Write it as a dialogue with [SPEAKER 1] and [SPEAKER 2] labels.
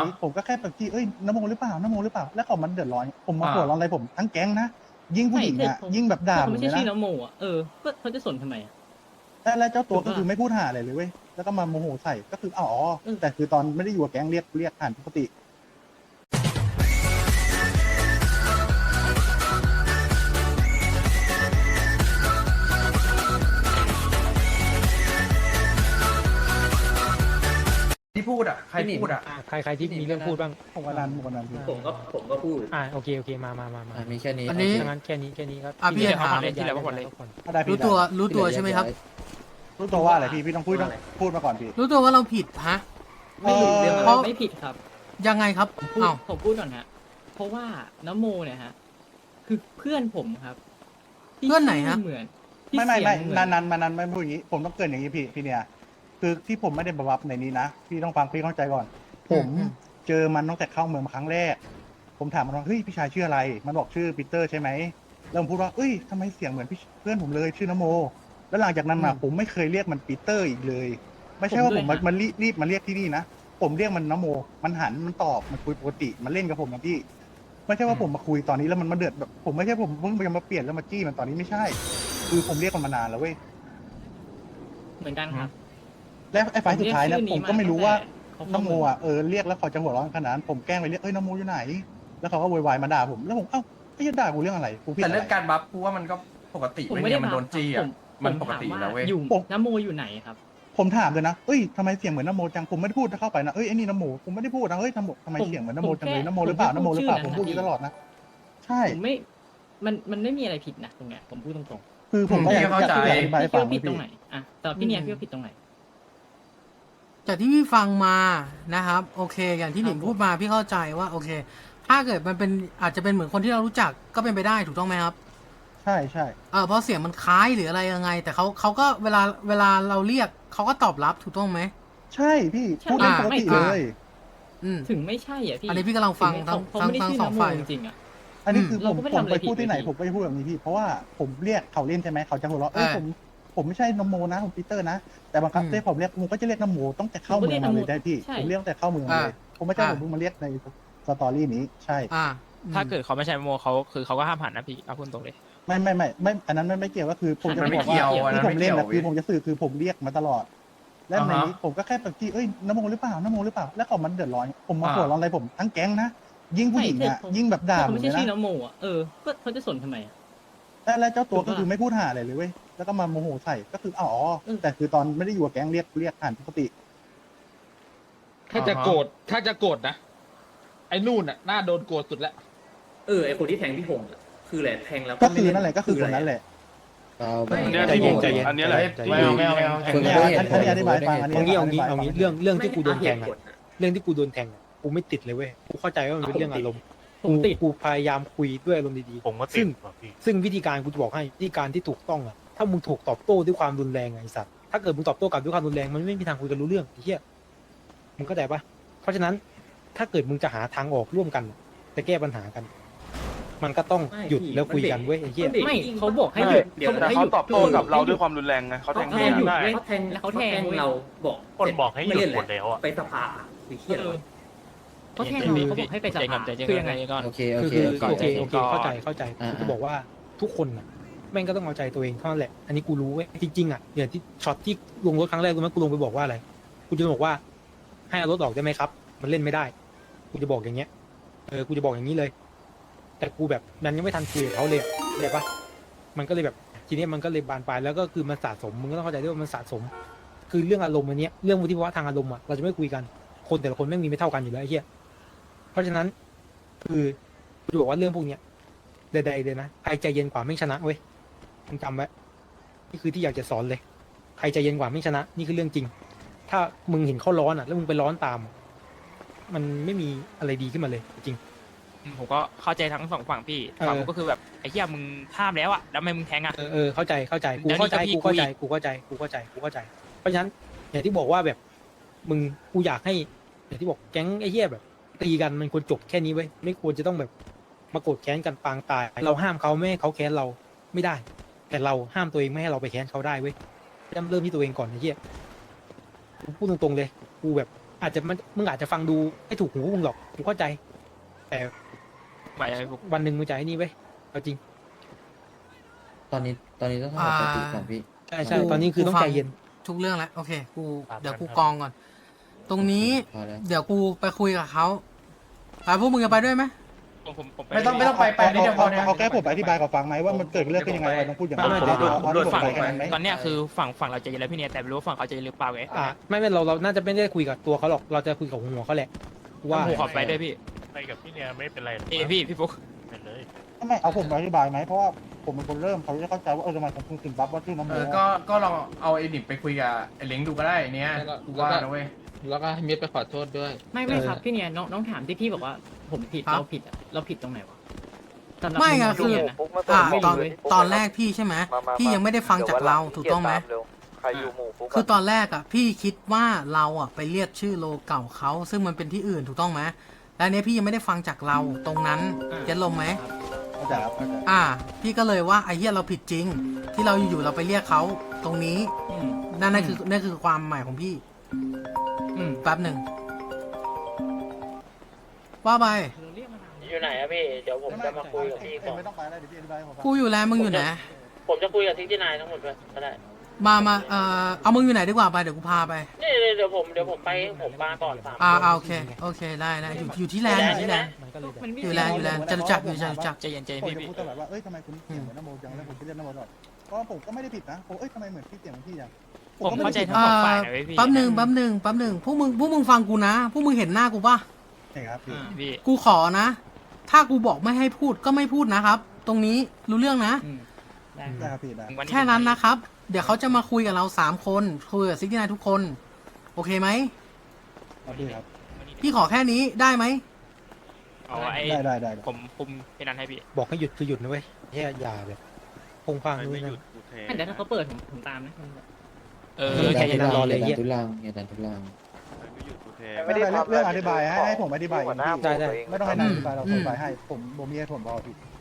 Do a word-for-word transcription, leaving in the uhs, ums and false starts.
[SPEAKER 1] ผมก็แค่แบบที่เอ้ยนโมหรือเปล่านโมหรือเปล่าแล้วเขามันเดือดร้อนผมมา
[SPEAKER 2] อ่า
[SPEAKER 1] หัวร้อนอะไรผมทั้งแก๊งนะยิ่งผู้หญิงอ่ะยิ่งแบบด่า
[SPEAKER 3] เขา
[SPEAKER 1] ผม
[SPEAKER 3] ไม่
[SPEAKER 1] เล
[SPEAKER 3] ใช่
[SPEAKER 1] ย
[SPEAKER 3] ชื่อ
[SPEAKER 1] นะ
[SPEAKER 3] น้ำโมอ่ะเออก็เขาจะสนทำไมอ่ะ
[SPEAKER 1] แล้วแล้วเจ้าตัว
[SPEAKER 3] ถูกปะ
[SPEAKER 1] ก็คือไม่พูดหาอะไรเลยเว้ยแล้วก็มาโมโหใส่ก็คืออ๋อ
[SPEAKER 3] เออ
[SPEAKER 1] แต่คือตอนไม่ได้อยู่กับแก๊งเรียกเรียกผ่านปกติ
[SPEAKER 2] ที่พูดอ่ะใครพูดอ่ะ
[SPEAKER 4] ใครใครที่มีเรื่องพูดบ้าง
[SPEAKER 1] ผมวันนั้นผมวันนั้นพี่
[SPEAKER 5] ผมก็ผมก็พูด
[SPEAKER 4] อ่าโอเคโอเคมามามามา
[SPEAKER 5] อ่ะมีแค่นี้
[SPEAKER 6] อันนี้
[SPEAKER 4] ดังนั้นแค่นี้แค่นี้ครับ
[SPEAKER 6] อ่ะพี่จะถาม
[SPEAKER 4] ที่เหลือก็หมดเลย
[SPEAKER 1] ถ้าได้พี่
[SPEAKER 6] รู้ตัวรู้ตัวใช่ไหมครับ
[SPEAKER 1] รู้ตัวว่าอะไรพี่พี่ต้องพูดต้องพูดมาก่อนพี่
[SPEAKER 6] รู้ตัวว่าเราผิดฮะ
[SPEAKER 3] ไม่รู้
[SPEAKER 1] เอ่อ
[SPEAKER 3] เรื่อง
[SPEAKER 6] เพราะ
[SPEAKER 3] ไม่ผิดครับ
[SPEAKER 6] ยังไงครับ
[SPEAKER 3] ผมพูด
[SPEAKER 6] อ้าว
[SPEAKER 3] ผมพูดก่อนฮะเพราะว่าน้ำโมเนี่ยฮะคือเพื่อนผมครับที่
[SPEAKER 6] เพื่อนไหนฮะ
[SPEAKER 3] ชื่เหมือนที่
[SPEAKER 1] ไม่ไม่ไม่
[SPEAKER 3] เสียงเหมื
[SPEAKER 1] นา
[SPEAKER 3] อน
[SPEAKER 1] นนั้นมานั้นไม่พูดอย่างนี้ ผมต้องเกรินอย่างนี้พี่พี่เนี่ยคือที่ผมไม่ได้บับในนี้นะพี่ต้องฟังพี่เข้าใจก่อน ผม
[SPEAKER 6] อืม
[SPEAKER 1] เจอมันตั้งแต่เข้าเมืองมาครั้งแรก ผมถามมันว่าเฮ้ยพี่ชายชื่ออะไร มันบอกชื่อปีเตอร์ใช่ไหมแล้วผมพูดว่าเอ้ยทำไมเสียงเหมือนพี่เพื่อนผมเลยชื่อนโม แล้วหลังจากนั้นมาผมไม่เคยเรียกมันปีเตอร์อีกเลย ไม่ใช่ว่าผมมันมันรีบรีบมาเรียกที่นี่นะผมเรียกมันนโม มันหันมันตอบมันคุยปกติมันเล่นกับผมนะพี่ ไม่ใช่ว่าผมมาคุยตอนนี้แล้วมันมาเดือดแบบผมไม่ใช่ผมเพิ่งจะมาเปลี่ยนแล้วมาจี้มันตอนนี้ไม่ใช่ คือผมเรียกมันมานานแล้วเว้ย
[SPEAKER 3] เหมือนกันครับ
[SPEAKER 1] และไอ้ไฟล์สุดท้ายเนี่ยผมก็ไม่รู้ว่า
[SPEAKER 3] เขา
[SPEAKER 1] น
[SPEAKER 3] เข้า
[SPEAKER 1] โม
[SPEAKER 3] เมือง
[SPEAKER 1] อ่ะเออเรียกแล้วเขาจะหัวเร้อนขนาดนั้นผมแกล้งไปเรียกเอ้ยนโมอยู่ไหน แล้วเขาก็โวยวายมาด่าผมแล้วผมเอ้าไอ้ยันด่ากูเรื่องอะไรกูผิด
[SPEAKER 2] แต่
[SPEAKER 1] อะไร
[SPEAKER 2] เรื่องการบัฟกูว่ามันก็ปกติ
[SPEAKER 3] ผม
[SPEAKER 2] ไม่
[SPEAKER 3] ไม่
[SPEAKER 2] เนี่
[SPEAKER 3] ได้
[SPEAKER 2] ยมันโดนจี้อ่ะ
[SPEAKER 3] ผม
[SPEAKER 2] มัน
[SPEAKER 3] ผม
[SPEAKER 2] ปกติอยู่แล้วเว้ย
[SPEAKER 3] อยู่น้ำโมอยู่ไหนครับ
[SPEAKER 1] ผมถามเลยนะเอ้ยทำไมเสียงเหมือนนโมจังผมไม่ได้พูดถ้าเข้าไปนะเอ้ยไอ้นี่นโมผมไม่ได้พูดนะเฮ้ยทำไมทำไม
[SPEAKER 3] ผม
[SPEAKER 1] เสียงเหมือนนโม
[SPEAKER 3] ผม
[SPEAKER 1] จังเลย
[SPEAKER 3] แค่
[SPEAKER 1] นโมหรือเปล่า
[SPEAKER 3] ผม
[SPEAKER 1] นโมหรือเปล่า
[SPEAKER 3] แค่
[SPEAKER 1] ผม
[SPEAKER 3] พู
[SPEAKER 1] พู
[SPEAKER 3] ด
[SPEAKER 1] ด
[SPEAKER 3] ชื่
[SPEAKER 1] อ
[SPEAKER 3] อ
[SPEAKER 1] ยู่ตลอดนะใช่
[SPEAKER 3] ผมไม่ มันมันไม่มีอะไรผิดนะตรงเนี้ยผมพูดตรง
[SPEAKER 1] คือผมก็อยาก
[SPEAKER 2] เข้าใจ
[SPEAKER 1] อยากอธิ
[SPEAKER 3] ๆ
[SPEAKER 1] บายให้
[SPEAKER 3] พี่
[SPEAKER 1] ฟั
[SPEAKER 3] คิด
[SPEAKER 1] ง
[SPEAKER 3] ว่าผิดตรงไหนอ่ะแต่พี่เนี่ยพี่ว่าผิดตรงไหน
[SPEAKER 6] จากที่พี่ฟังมานะครับ โอเค อย่างที่หนิง
[SPEAKER 3] ครับผม
[SPEAKER 6] พูดมาพี่เข้าใจว่าโอเค ถ้าเกิดมันเป็นอาจจะเป็นเหมือนคนที่เรารู้จักก็เป็นไปได้ถูกต้องไหมครับ
[SPEAKER 1] ใช่ใช่
[SPEAKER 6] เออเพราะเสียงมันคล้ายหรืออะไรยังไง แต่เขาเขาก็เวลาเวลาเราเรียกเขาก็ตอบรับถูกต้องไหม
[SPEAKER 1] ใช่พี่
[SPEAKER 3] ใช่
[SPEAKER 1] พูดเรื่องปกติ
[SPEAKER 6] อ่า
[SPEAKER 1] เลย
[SPEAKER 6] อืม
[SPEAKER 3] ถึงไม่ใช่อ่ะพี่
[SPEAKER 6] อันนี้พี่กำลังฟัง
[SPEAKER 3] ถึ
[SPEAKER 6] ทั้ง
[SPEAKER 3] เขา
[SPEAKER 6] ทั้ง
[SPEAKER 3] ไม่ได้
[SPEAKER 6] ทั้ง
[SPEAKER 3] ชื่อ
[SPEAKER 6] สอง
[SPEAKER 3] น้ำโม
[SPEAKER 6] ฝ่าย
[SPEAKER 3] จริงๆอ่ะ
[SPEAKER 1] อันนี้คือ
[SPEAKER 3] เรา
[SPEAKER 1] ผม
[SPEAKER 3] ก็ไม่
[SPEAKER 1] ผม
[SPEAKER 3] ทำอะไร
[SPEAKER 1] ไปพูดที่ไหน
[SPEAKER 3] ผิดเลย
[SPEAKER 1] ผมก็จะพูดแบบนี้พี่เพราะว่าผมเรียกเขาเล่นใช่ไหมเขาจะหัวเราะเอ้ย
[SPEAKER 6] อ่า
[SPEAKER 1] ผมผมไม่ใช่นโมนะผมปีเตอร์นะแต่บางครั้ง
[SPEAKER 6] อืม
[SPEAKER 1] ที่ผมเรียกผมก็จะเรียกนโมต้องแต่เข้า
[SPEAKER 3] ผมก็
[SPEAKER 1] เมื
[SPEAKER 3] เรี
[SPEAKER 1] อย ง
[SPEAKER 3] ก
[SPEAKER 1] มา
[SPEAKER 3] นโม
[SPEAKER 1] เลยได้พี่
[SPEAKER 3] ใช่
[SPEAKER 1] ผมเรียกแต่เข้าเมืองมาเลย ผมไม่ใช่
[SPEAKER 6] อ่า
[SPEAKER 1] ผมเพิ่งมาเรียกในสตอรี่นี้ใช่
[SPEAKER 6] อ่า
[SPEAKER 4] ถ้าเกิดเขาไม่ใช่โมเขาคือเขาก็ห้ามหันนะพี่เอาพูดตรงเลย
[SPEAKER 1] ไม่ไม่ไม่ไม่อันนั้นไม่ไม่เกี่ยวก็คือผมจะ
[SPEAKER 2] มันไม่
[SPEAKER 1] บอก
[SPEAKER 2] เกี่ยว
[SPEAKER 1] ว่า
[SPEAKER 2] อันนั้
[SPEAKER 1] ที่
[SPEAKER 2] น
[SPEAKER 1] ผมเล่นนะ
[SPEAKER 2] ไม่เกี่ยว
[SPEAKER 1] คือผมจะสื่อคือผมเรียกมาตลอด และใน
[SPEAKER 2] อ่าฮะ
[SPEAKER 1] นี้ผมก็แค่แบบที่เอ้ยนโมหรือเปล่านโมหรือเปล่าแล้วเขามันเดือดร้อนผมมา
[SPEAKER 2] อ่า
[SPEAKER 1] หัวร้อนอะไรผมทั้งแก๊งนะยิ่งผู้หญิงอ่ะยิ่งแบบด่า
[SPEAKER 3] เขา
[SPEAKER 1] ผม
[SPEAKER 3] ไม่
[SPEAKER 1] เล
[SPEAKER 3] ใช่
[SPEAKER 1] ย
[SPEAKER 3] ชื่อ
[SPEAKER 1] นะ
[SPEAKER 3] น้ำโมอ่ะเออก็เขาจะสนทำไมอ่ะ
[SPEAKER 1] และและเจ้าตัว
[SPEAKER 3] ถูกปะ
[SPEAKER 1] ก็คือไม่พูดหาอะไรเลยเว้ยแล้วก็มาโมโหใส่ก็คืออ๋อ
[SPEAKER 3] เออ
[SPEAKER 1] แต่คือตอนไม่ได้อยู่กับแก๊งเรียกเรียกผ่านปกติ
[SPEAKER 7] ถ้าจะโกรธถ้าจะโกรธนะ ไอ้นู่นน่ะน่าโดนโกรธสุดแล้ว
[SPEAKER 5] เออไอคนที่แทงพี่หงอะคือแหละแทงแล้ว
[SPEAKER 1] ก็
[SPEAKER 5] ไม่
[SPEAKER 1] คือ
[SPEAKER 5] เล่
[SPEAKER 1] นั่นแหละก็คือคนนั้นแหละ
[SPEAKER 5] เอา
[SPEAKER 2] ไม่
[SPEAKER 5] ไม่
[SPEAKER 4] ใจเย็นใจเย็น
[SPEAKER 8] อันนี้แหละ
[SPEAKER 2] ไม่เอาไม่เอาไม่เอา
[SPEAKER 1] อันนี้อันนี้อธิบายฟังอันนี้
[SPEAKER 4] เอางี้เอางี้เอางี้เรื่องเรื่องที่กูโดนแทง
[SPEAKER 5] ไม่
[SPEAKER 4] อะ
[SPEAKER 5] เอาเหตุผลอะ
[SPEAKER 4] เรื่องที่กูโดนแทงอะกูไม่ติดเลยเว้ยกูเข้าใจว่ามันเป็นเรื่องอารมณ์
[SPEAKER 3] ผมติด
[SPEAKER 4] กูพยายามคุยด้วยอารมณ์ดีๆ
[SPEAKER 8] ผมก็ติ
[SPEAKER 4] ซึ่
[SPEAKER 8] ด
[SPEAKER 4] ง
[SPEAKER 8] ว่ะพี่
[SPEAKER 4] ซึ่งวิธีการกูจะบอกให้วิธีการที่ถูกต้องอะถ้ามึงถูกตอบโต้ด้วยความรุนแรงอะไอ้สัตว์ถ้าเกิดมึงตอบโต้กลับด้วยความรุนแรงมันไม่มีทางคุยกันรู้เรื่องไอ้เหี้ยมึงเข้าใจปะเพราะฉะนั้นถ้าเกิดมึงจะหาทางออกร่วมกันจะแก้ปัญหากัน มันก็ต้อง
[SPEAKER 5] ไม่
[SPEAKER 4] หยุด
[SPEAKER 5] พี่
[SPEAKER 4] แล้วคุยกันเว้ยไอ้เหี้ย
[SPEAKER 5] มันเบรก
[SPEAKER 3] ไม่เขาบอกให้
[SPEAKER 8] ไม่
[SPEAKER 3] หยุด
[SPEAKER 5] เดี๋ยว
[SPEAKER 3] เขาบ
[SPEAKER 8] แต่
[SPEAKER 3] อกให้ห
[SPEAKER 8] เขา
[SPEAKER 3] ยุด
[SPEAKER 8] ตอบโต้กับเราด้วยความรุนแรงไงเขาแทง
[SPEAKER 5] เขา
[SPEAKER 8] ไม่
[SPEAKER 5] แทง
[SPEAKER 8] ได้
[SPEAKER 5] เขาแทง
[SPEAKER 3] แล้วเขาแทง
[SPEAKER 5] แทงเราบอก
[SPEAKER 8] คนบอกให้หยุด
[SPEAKER 5] ไม่เล่น
[SPEAKER 8] หมดแล้วอะ
[SPEAKER 5] ไปสภาหรือเครียด
[SPEAKER 3] เอ
[SPEAKER 5] วะ
[SPEAKER 3] อเขาแทงเราเขาบอกให้ไปสภาคือยังไง
[SPEAKER 5] โอเคโอ
[SPEAKER 4] คือ
[SPEAKER 5] เค
[SPEAKER 4] คือ
[SPEAKER 5] ก่อน
[SPEAKER 4] โอเค
[SPEAKER 5] ใจ
[SPEAKER 4] โอ
[SPEAKER 5] เย็น
[SPEAKER 4] เคเข้าใจเข้าใจ
[SPEAKER 5] อ่า
[SPEAKER 4] กูจะบอกว่าทุกคนน่ะแม่งก็ต้องเอาใจตัวเองเท่านั้นแหละ อันนี้กูรู้เว้ยจริงๆอ่ะอย่างที่ช็อตที่ลงรถครั้งแรกกูมั้ยกูลงไปบอกว่าอะไรกูจะบอกว่าให้เอารถออกได้ไหมครับ มันเล่นไม่ได้กูจะบอกอย่างเงี้ยเออกูจะบอกอย่างนี้เลย แต่กูแบบมันยังไม่ทันคุยกับเขาเลยอะเข้าใจปะมันก็เลยแบบทีนี้มันก็เลยบานปลายแล้วก็คือมันสะสมมึงก็ต้องเข้าใจด้วยว่ามันสะสม คือเรื่องอารมณ์อันเนี้ยเรื่องวุฒิภาวะทางอารมณ์อ่ะเราจะไม่คุยกันคนแต่ละคนแม่งมีไม่เท่ากันอยู่แล้วไอ้เหี้ยเพราะฉะนั้นคือกูจะบอกว่าเรื่องพวกเนี้ยใดๆเลยนะใครใจเย็นกว่าไม่ชนะเว้ยมึงจำไว้นี่คือที่อยากจะสอนเลยใครใจเย็นกว่าไม่ชนะ นี่คือเรื่องจริง ถ้ามึงเห็นเขาร้อนอ่ะ แล้วมึงไปร้อนตาม มันไม่มีอะไรดีขึ้นมาเลยจริง
[SPEAKER 9] ผมก็เข้าใจทั้งสองฝั่งพี่
[SPEAKER 4] เออ
[SPEAKER 9] ฝั่งผมก็คือแบบไอ้เหี้ยมึงห้ามแล้วอะแล้วทำไมมึงแทงอะ
[SPEAKER 4] เออเออเข้าใจเข้าใจกู
[SPEAKER 9] แล้วนี่
[SPEAKER 4] เข้าใจ
[SPEAKER 9] ก็พี่
[SPEAKER 4] กูเข้าใจ
[SPEAKER 9] คุย
[SPEAKER 4] กูเข้าใจกูเข้าใจกูเข้าใจ เพราะฉะนั้นอย่างที่บอกว่าแบบมึงกูอยากให้อย่างที่บอกแก๊งไอ้เหี้ยแบบ ตีกันมันควรจบแค่นี้เว้ยไม่ควรจะต้องแบบมาโกรธแค้นกันปางตาย เราห้ามเขาไม่ให้เขาแค้นเราไม่ได้ แต่เราห้ามตัวเองไม่ให้เราไปแค้นเขาได้เว้ยเริ่มเริ่มที่ตัวเองก่อนไอ้เหี้ยกูพูดตรงๆเลยกูแบบอาจจะมันมึงอาจจะฟังดูไม่ถูกหูมึงหรอกกูเข้าใจ แต่
[SPEAKER 9] ไปเลยพวก
[SPEAKER 4] วันหนึ่งมึงจะไอ้นี่ไว้ยเอาจริง
[SPEAKER 5] ตอนนี้ตอนนี้ต้องทำสติก่อนพี่
[SPEAKER 4] ใช่ใช่ตอนนี้คือต้องใจเย็น
[SPEAKER 6] ทุกเรื่องแล้วโอเคกู
[SPEAKER 4] ครับ
[SPEAKER 6] เดี๋ยวกูกองก่อน ตรงนี้
[SPEAKER 5] พอแล้ว
[SPEAKER 6] เดี๋ยวกูไปคุยกับเขาไปพวกมึงจะไปด้วยไหม
[SPEAKER 9] ผมผมผม
[SPEAKER 2] ไม่ต้องไม่ต้องไปไปนิดเดียวพอเนี่ย
[SPEAKER 1] เขาแค่ผมอธิบายกับฟังไหมว่ามันเกิดเรื่องขึ้นยังไงเราต้องพูดอย่างนั้น
[SPEAKER 4] ไม่
[SPEAKER 1] ผม
[SPEAKER 4] ไม่
[SPEAKER 1] เอาเอาที่ผม
[SPEAKER 9] ฝั่ง
[SPEAKER 1] ไปแค่นั้นไหม
[SPEAKER 9] ตอนเนี้ยคือฝั่งฝั่งเราใจเย็นแล้วพี่เนี่ยแต่ไม่รู้ว่าฝั่งเขาใจเย็นหรือเปล่าไง
[SPEAKER 4] อ่าไม่ไม่เราเราน่าจะไม่ได้คุยกับตัวเขาหรอกเราจะคุยกับหัวเขาแหละว่า
[SPEAKER 9] ผมขอไปด้วยพี่
[SPEAKER 10] ไปกับพี่เนี่ยไม่เป็นไรหรอก
[SPEAKER 9] เอยพี่พี่ฟุก
[SPEAKER 10] ไปเลย
[SPEAKER 1] ไม่เอาผมอธิบายไหมเพราะว่าผมเป็นคนเริ่มเขาจะเข้าใจว่าเออทำไมผมถึงบัฟว่าชื่อน้ำ
[SPEAKER 2] เอ
[SPEAKER 1] โม
[SPEAKER 2] อก็ก็ลองเอาไอ้ดิบไปคุยกับไอ้เล้งดูก็ได้เนี้ยกูว่านะเว้ย
[SPEAKER 7] แล้วก็ให้เมียไปขอโทษด้วย
[SPEAKER 3] ไม่ไม่ครับพี่เนี่ยน้องน้องถามที่พี่บอกว่าผมผิด
[SPEAKER 6] ครับ
[SPEAKER 3] เราผิดอะเราผิดตรงไหนวะสำหรับ
[SPEAKER 6] ไม่ไง
[SPEAKER 3] มุ
[SPEAKER 6] คือ
[SPEAKER 3] พี่นะ
[SPEAKER 6] อ่าตอน
[SPEAKER 3] ไม่รู้เว้ย
[SPEAKER 6] ตอนแรกพี่ใช่ไหมพี่ยังไม่ได้ฟังจากเราถูกต้องไหม
[SPEAKER 10] ใครอยู่หมู่ฟุก
[SPEAKER 6] คือตอนแรกอ่ะพี่คิดว่าเราอ่ะไปเรียกชื่อโลเก่าเขาซึ่งมันเป็นที่อื่นถูกต้องไหมแล้วอันเนี้ยพี่ยังไม่ได้ฟังจากเราตรงนั้นเก็ตลมไหม
[SPEAKER 1] เข้าใจครับเข้าใจ
[SPEAKER 6] อ่า พี่ก็เลยว่าไอ้เหี้ยเราผิดจริง ที่เราอยู่ๆเราไปเรียกเขาตรงนี้
[SPEAKER 3] อืม
[SPEAKER 6] นั่นนั่นคือนั่นคือความหมายของพี่
[SPEAKER 3] อืม
[SPEAKER 6] แป๊บหนึ่งว่าไป
[SPEAKER 3] เราเรียกมาทำ
[SPEAKER 10] อยู่ไหนอะพี่ เดี๋ยวผมจะมาคุยกับพี่ก่อน
[SPEAKER 1] ไม่ต้องไปแล้วเดี๋ยวพี่อธิบายให้ผมฟัง
[SPEAKER 6] กูอยู่แล้วมึงอยู่ไหน
[SPEAKER 10] ผมจะคุยกับทิกที่นายทั้งหมดด้วยก็ได้
[SPEAKER 6] มามาเอ่อเอามึงอยู่ไหนดีกว่าไปเดี๋ยวกูพาไป
[SPEAKER 10] นี่เดี๋ยวผมเดี๋ยวผมไปผมมาก่อนสาม
[SPEAKER 6] อ่า
[SPEAKER 10] คน
[SPEAKER 6] อ่าโอเคโอเคได้ได้อยู่อยู่ที่แลนด์อยู่ที่แลนด์
[SPEAKER 4] มันก็เลยแบบ
[SPEAKER 3] มันไม่
[SPEAKER 6] อยู่แลนด์อยู่แลนด์จะรู้จักอยู่จะรู้จัก
[SPEAKER 9] ใจเย็นใจเย็น
[SPEAKER 1] ผม
[SPEAKER 9] พี่
[SPEAKER 1] จะ
[SPEAKER 9] พี่
[SPEAKER 1] พูดตลอดว่าเอ้ยทำไมคุณเสียงเหมือนน้ำโมจังแล้วผมไปเรียกน้ำโมตลอดเพราะว่าผมก็ไม่ได้ผิดนะผมเอ้ยทำไมเหมือนพี่เสียงเหมือนพี่จัง
[SPEAKER 9] ผมเข้าใจทั้ง
[SPEAKER 6] เอ่
[SPEAKER 9] สอง
[SPEAKER 6] อ
[SPEAKER 9] ฝ่ายนะเว้ยพี่
[SPEAKER 6] แป๊บหนึ่งแป๊บหนึ่งแป๊บหนึ่งพวกมึงพวกมึงฟังกูนะพวกมึงเห็นหน้ากูปะ
[SPEAKER 1] ใช่ครับพี่
[SPEAKER 9] พี่
[SPEAKER 6] กูขอนะ ถ้ากูบอกไม่ให้พูดก็ไม่พูดนะครับ ตรงนี้รู้เรื่องนะ
[SPEAKER 3] อืมได้
[SPEAKER 1] ได้ครับพี่ได้
[SPEAKER 6] แค่นั้นนะครับ เดี๋ยวเขาจะมาคุยกับเราสามคนคุยกับซิกนายทุกคน โอเคไหม
[SPEAKER 1] ครับพี่ครับ
[SPEAKER 6] พี่ขอแค่นี้ได้ไหม
[SPEAKER 9] เอาไอ้
[SPEAKER 1] ได้ได้ได้ได้
[SPEAKER 9] ผมคุมพี่นันให้พี่
[SPEAKER 4] บอกให้หยุดคือหยุดนะเว้ยแย่อย่าแบบพงพางนู่นนั่น
[SPEAKER 3] อ่ะเดี๋ยวถ้าเขาเปิดผมผมตามนะ
[SPEAKER 9] เออ
[SPEAKER 4] เออ
[SPEAKER 9] ใจ
[SPEAKER 4] ใจ
[SPEAKER 9] เย็
[SPEAKER 4] เย็
[SPEAKER 9] น
[SPEAKER 4] น
[SPEAKER 5] อ
[SPEAKER 4] รอเลย
[SPEAKER 5] ย่า
[SPEAKER 4] เหี้
[SPEAKER 5] ดั
[SPEAKER 4] ย
[SPEAKER 5] นทุลังอย่าดันทุลัง
[SPEAKER 1] ไม่ได้เรื่องอธิบายให้ให้ผมอธิบายเองพี่
[SPEAKER 4] ได้ได้
[SPEAKER 1] ไม่ต้องให้นายอธิบายเราผมอธิบายให้ผมผมมีเหตุผลพอพี่